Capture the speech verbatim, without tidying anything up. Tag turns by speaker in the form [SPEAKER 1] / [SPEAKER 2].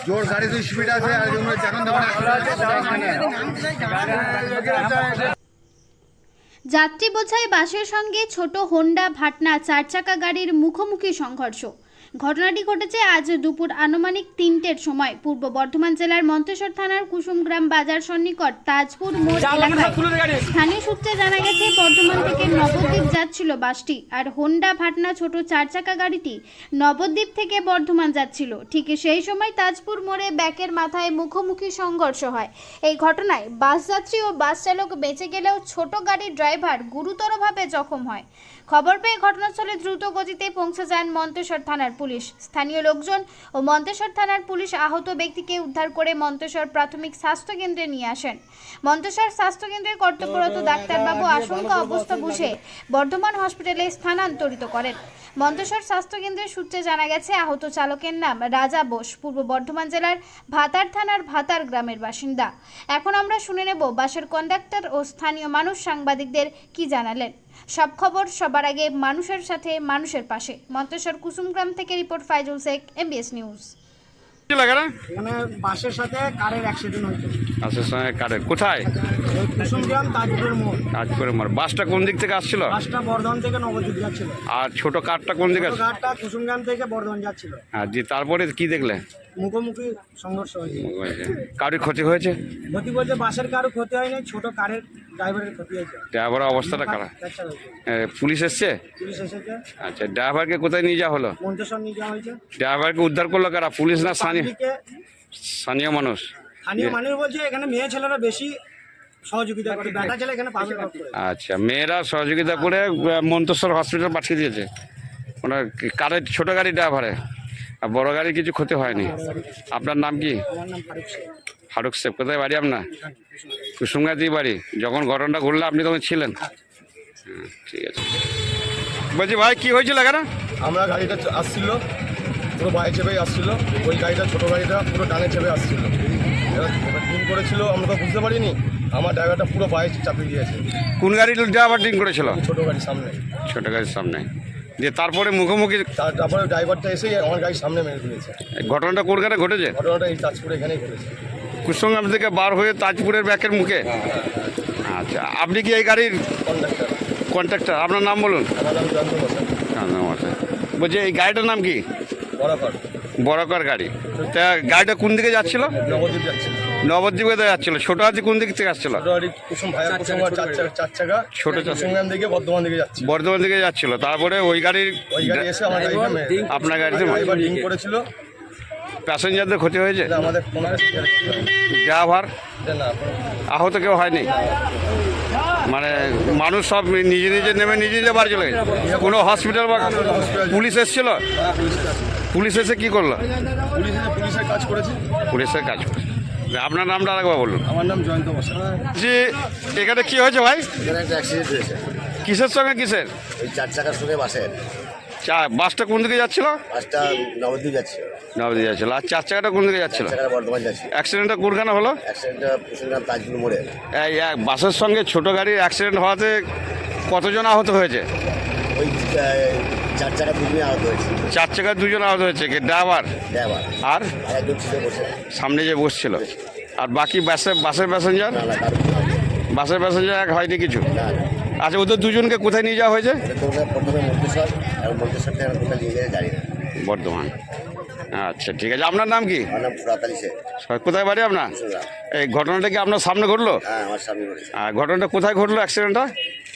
[SPEAKER 1] জোর গাড়ি তো স্পিড আছে আর জন্য এখন
[SPEAKER 2] যাত্রী বোঝাই বাসের সঙ্গে ছোট হোন্ডা ভাটনা চার চাকা গাড়ির মুখোমুখি সংঘর্ষ। ঘটনাটি ঘটেছে আজ দুপুর আনুমানিক তিনটের সময় পূর্ব বর্ধমান জেলার মন্তেশ্বর থানার কুসুমগ্রাম বাজার সন্নিকট তাজপুর মোড় এলাকায়। স্থানীয় সূত্রে জানা গেছে বর্ধমান থেকে নবদ্বীপ যাচ্ছিল বাসটি, আর হোন্ডা ভাটনা ছোট চার চাকা গাড়িটি নবদ্বীপ থেকে বর্ধমান যাচ্ছিল। ঠিক সেই সময় তাজপুর মোড়ে ব্যাকের মাথায় মুখোমুখি সংঘর্ষ হয়। এই ঘটনায় বাস যাত্রী ও বাস চালক বেঁচে গেলেও ছোট গাড়ির ড্রাইভার গুরুতরভাবে জখম হয়। খবর পেয়ে ঘটনাস্থলে দ্রুত গতিতে পৌঁছে যান মন্তেশ্বর থানার পুলিশ। স্থানীয় লোকজন ও মন্তেশ্বর থানার পুলিশ আহত ব্যক্তিকে উদ্ধার করে মন্তেশ্বর প্রাথমিক স্বাস্থ্য কেন্দ্রে নিয়ে আসেন। মন্তেশ্বর স্বাস্থ্য কেন্দ্রের কর্তব্যরত ডাক্তারবাবু আশঙ্কা অবস্থা বুঝে বর্ধমান হসপিটালে স্থানান্তরিত করেন। মন্তেশ্বর স্বাস্থ্য কেন্দ্রের সূত্রে জানা গেছে আহত চালকের নাম রাজা বোস, পূর্ব বর্ধমান জেলার ভাতার থানার ভাতার গ্রামের বাসিন্দা। এখন আমরা শুনে নেব বাসের কন্ডাক্টর ও স্থানীয় মানুষ সাংবাদিকদের কি জানালেন। সব খবর সবার আগে মানুষের সাথে মানুষের পাশে। মন্তেশ্বর কুসুমগ্রাম থেকে report Faizul Sheikh, MBS news.
[SPEAKER 3] এখানে বাসের সাথে কারের অ্যাক্সিডেন্ট হয়েছে।
[SPEAKER 4] বাসের সঙ্গে কারের কোথায়?
[SPEAKER 3] কুসুমগ্রাম তাজপুর মোড়।
[SPEAKER 4] তাজপুরের মোড়। বাসটা কোন দিক থেকে আসছিল?
[SPEAKER 3] বাসটা বর্ধমান থেকে নবদ্বীপ যাচ্ছিল।
[SPEAKER 4] আর ছোট কারটা কোন দিকে?
[SPEAKER 3] ছোট কারটা কুসুমগ্রাম থেকে বর্ধমান যাচ্ছিল।
[SPEAKER 4] হ্যাঁ, দিয়ে তারপরে কি দেখলে?
[SPEAKER 3] মুখোমুখি সংঘর্ষ হয়েছে।
[SPEAKER 4] কারোর ক্ষতি হয়েছে?
[SPEAKER 3] ক্ষতি বলতে বাসের কারো ক্ষতি হয়নি, ছোট কারের ড্রাইভারের ক্ষতি হয়েছে।
[SPEAKER 4] ড্রাইভারের অবস্থাটা খারাপ।
[SPEAKER 3] ফ্র্যাকচার হয়েছে।
[SPEAKER 4] এ, পুলিশ এসছে?
[SPEAKER 3] পুলিশ এসেছে।
[SPEAKER 4] আচ্ছা, ড্রাইভারকে কোথায় নিয়ে যাওয়া হলো?
[SPEAKER 3] মন্তেশ্বর নিয়ে যাওয়া হয়েছে।
[SPEAKER 4] ড্রাইভারকে উদ্ধার করলো কারা? পুলিশ না স্থানীয়?
[SPEAKER 3] পাবলিকে
[SPEAKER 4] স্থানীয় মানুষ।
[SPEAKER 3] স্থানীয় মানুষ বলছে এখানে মেয়ে ছেলেরা বেশি সহযোগিতা করে, বেটা ছেলে এখানে পাবে না।
[SPEAKER 4] আচ্ছা, মেয়েরা সহযোগিতা করে আহ, মন্তেশ্বর হসপিটাল পাঠিয়ে দিয়েছে। ওনার কারের ছোট গাড়ি ড্রাইভারে, আর বড় গাড়ির কিছু ক্ষতি হয়নি। আপনার নাম কি?
[SPEAKER 3] আমার নাম ফারুক শেখ।
[SPEAKER 4] ফারুক শেখ। কোথায় বাড়ি আপনার? কুসুমগাতি বাড়ি। যখন ঘটনাটা ঘটলো আপনি তখন ছিলেন? হুম, ঠিক আছে। বলছি ভাই, কি হয়েছিল এখানে?
[SPEAKER 1] আমরা গাড়িটা আসছিল পুরো বায়ে চেপে আসছিল, ওই গাড়িটা ছোটো গাড়িটা পুরো ডানে চেপে আসছিল। এবার ডিম করেছিল, আমরা তো বুঝতে পারিনি। আমার ড্রাইভারটা পুরো বায়ে চাপিয়ে দিয়েছে।
[SPEAKER 4] কোন গাড়ির ড্রাইভার ড্রিঙ্ক করেছিল?
[SPEAKER 1] ছোটো গাড়ির সামনে।
[SPEAKER 4] ছোট গাড়ির সামনে। দিয়ে তারপরে মুখোমুখি
[SPEAKER 1] তার- তারপরে ড্রাইভারটা এসে আমার গাড়ির সামনে মেরে দিয়েছে।
[SPEAKER 4] ঘটনাটা কোনখানে ঘটেছে?
[SPEAKER 1] ঘটনাটা এই তাজপুরে এখানেই ঘটেছে।
[SPEAKER 4] কুসুমগ্রাম থেকে বার হয়ে তাজপুরের ব্যাকের মুখে। আচ্ছা, আপনি কি এই গাড়ির
[SPEAKER 1] কন্ডাক্টার।
[SPEAKER 4] কন্ট্রাক্টর? আপনার নাম বলুন।
[SPEAKER 1] আমার নাম জয়ন্ত বসাক।
[SPEAKER 4] হ্যাঁ, নাম আছে। বলছি এই গাড়িটার নাম কি?
[SPEAKER 1] বরাবর
[SPEAKER 4] বড়কার গাড়ি। তা গাড়িটা কোন দিকে যাচ্ছিল?
[SPEAKER 1] নবদ্বীপ যাচ্ছে।
[SPEAKER 4] নবদ্বীপে যাচ্ছিল। ছোট হাতি কোন দিক থেকে আসছিল?
[SPEAKER 1] ছোটো গাড়ি কুসুম ভাইয়া কুসুম আর চার চাকা চার চাকা
[SPEAKER 4] ছোট চাকা।
[SPEAKER 1] কুসুমগ্রাম দিকে বর্ধমান দিকে যাচ্ছে।
[SPEAKER 4] বর্ধমান দিকে যাচ্ছিল। তারপরে ওই গাড়ির
[SPEAKER 1] ওই গাড়ি এসে আমার গাড়িটা মেরে
[SPEAKER 4] আপনার গাড়িতে
[SPEAKER 1] ড্রাইভার ডিম করেছিল।
[SPEAKER 4] প্যাসেঞ্জারদের ক্ষতি হয়েছে?
[SPEAKER 1] এটা আমাদের কোনো
[SPEAKER 4] ড্রাইভার
[SPEAKER 1] না
[SPEAKER 4] আহত কেউ হয়নি? মানে মানুষ সব নিজে নিজে নেমে নিজে নিজে বাড়ি চলে গেছে? কোনো হসপিটাল বা পুলিশ এসেছিল? পুলিশ এসে কি করলো?
[SPEAKER 1] পুলিশ এসে পুলিশের কাজ করেছে।
[SPEAKER 4] পুলিশের কাজ করছে। আপনার নামটা আরেকবার বলুন।
[SPEAKER 1] আমার নাম জয়ন্ত বসাক।
[SPEAKER 4] জি, এখানে কি হয়েছে ভাই?
[SPEAKER 5] এখানে একটা অ্যাক্সিডেন্ট হয়েছে,
[SPEAKER 4] কিসের সঙ্গে কিসের?
[SPEAKER 5] ওই চার চাকার সঙ্গে বাসের।
[SPEAKER 4] চা বাসটা কোন দিকে যাচ্ছিল?
[SPEAKER 5] বাসটা নবদ্বীপ যাচ্ছে,
[SPEAKER 4] নবদ্বীপ যাচ্ছিল। আর চার চাকাটা কোন দিকে যাচ্ছিল?
[SPEAKER 5] চাকাটা বর্ধমান যাচ্ছে।
[SPEAKER 4] অ্যাক্সিডেন্টটা কোনখানে হলো?
[SPEAKER 5] অ্যাক্সিডেন্টটা কুসুমগ্রাম তাজপুর মোড়ে।
[SPEAKER 4] এই এক বাসের সঙ্গে ছোট গাড়ির অ্যাক্সিডেন্ট হওয়াতে কতজন আহত হয়েছে?
[SPEAKER 5] ওই আহ, চার চাকা দুজনে আহত হয়েছে।
[SPEAKER 4] চার চাকায় দুজন আহত হয়েছে। কি ড্রাইভার
[SPEAKER 5] ড্রাইভার
[SPEAKER 4] আর
[SPEAKER 5] আর একজন ছিল বসে।
[SPEAKER 4] সামনে যে বসছিল? আর বাকি বাসে বাসের প্যাসেঞ্জার?
[SPEAKER 5] না না কারো কিছু হয়নি।
[SPEAKER 4] বাসের প্যাসেঞ্জার এক হয়নি কিছু?
[SPEAKER 5] না না,
[SPEAKER 4] আচ্ছা, ওদের দুজনকে কোথায় নিয়ে যাওয়া হয়েছে?
[SPEAKER 5] এটা তো ওরা প্রথমে মন্তেশ্বর, এবং মন্তেশ্বর থেকে এখন কোথায় নিয়ে যায় জানি না।
[SPEAKER 4] বর্ধমান। আচ্ছা, ঠিক আছে। আপনার নাম কি?
[SPEAKER 5] আমার নাম ফুরাত আলী শেখ।
[SPEAKER 4] কোথায় বাড়ি আপনার?
[SPEAKER 5] কুসুমগ্রাম।
[SPEAKER 4] এই ঘটনাটা কি আপনার সামনে ঘটলো?
[SPEAKER 5] হ্যাঁ, আমার সামনে করেছে।
[SPEAKER 4] আর ঘটনাটা কোথায় ঘটলো অ্যাক্সিডেন্টটা?